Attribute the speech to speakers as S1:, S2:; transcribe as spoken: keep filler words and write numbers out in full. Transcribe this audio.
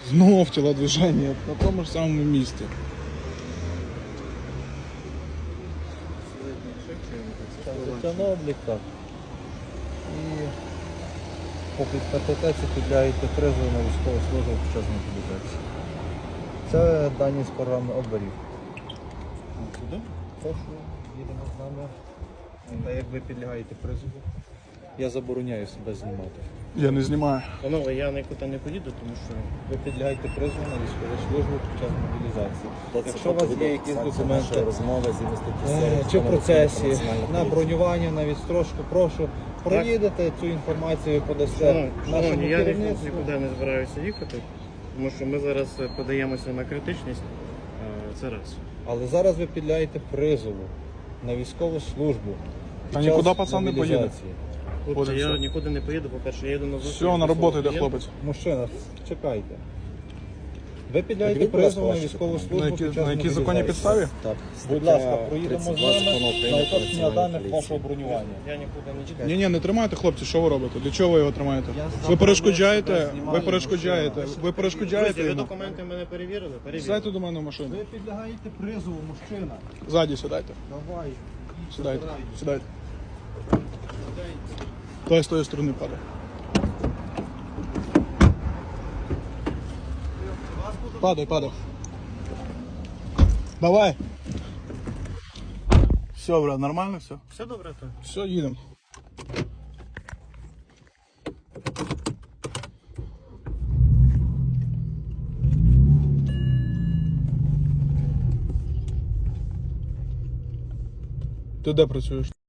S1: Знов тілодвиження на тому ж самому місці.
S2: Життя на облік, так. І по КТТ підлягаєте призову на військову службу під час мобілізації. Це дані з програми оберіг.
S1: Сюди?
S2: Прошу, їдемо з нами. Та як ви підлягаєте призову, я забороняю себе знімати.
S1: Я не знімаю.
S3: Панове, я нікуди не поїду, тому що
S2: Ви підлягаєте призову на військову службу під час мобілізації. Якщо у вас є якісь документи
S4: розмови з
S2: е, чи в процесі, на бронювання, на відстрочку, прошу, проїдете цю інформацію, подасте
S3: шановні,
S2: нашому
S3: шановні, я ні-
S2: керівництву.
S3: нікуди не збираюся їхати, тому що ми зараз подаємося на критичність. Е, Це раз.
S2: Але зараз ви підляєте призову на військову службу. під
S1: Та
S2: час
S1: нікуди пацан не поїде.
S2: мобілізації.
S3: Хлопці,
S1: Буде
S3: я
S1: все.
S3: нікуди не поїду, по-перше, я їду на зустріч.
S1: Все, на
S3: до
S1: роботу
S3: свого
S1: йде
S3: клієнта.
S1: хлопець.
S2: Мужчина, чекайте. Ви підляєте
S4: Так, будь ласка,
S2: призову на
S4: ваші
S2: військову
S4: документи.
S2: службу
S1: На які,
S2: під час
S1: на якій законній
S2: мобілізації.
S1: підставі?
S4: Так,
S2: Будь ласка, проїдемо з
S4: тридцять два
S2: нами
S4: закону України
S2: на
S4: про
S2: уточнення
S4: національну
S2: даних
S4: поліцію.
S2: вашого бронювання.
S3: Я нікуди не чекаю.
S1: Ні, ні, не тримайте, хлопці, що ви робите? Для чого ви його тримаєте?
S2: Я
S1: Ви
S2: заборонив
S1: перешкоджаєте,
S2: себе
S1: ви
S2: знімати,
S1: перешкоджаєте,
S2: мужчина.
S1: ви перешкоджаєте
S3: Друзі, ви
S1: йому.
S3: документи мене перевірили? Перевірили.
S1: Сідайте до мене в машину.
S2: Ви підлягаєте призову, мужчина.
S1: Ззаді сідайте.
S2: Давай.
S1: Сідайте. Сідайте. Той з тої сторони падає. Падай, падай. Давай. Все, брат, нормально все?
S3: Все добре, то?
S1: Все, їдемо. Ти де працюєш?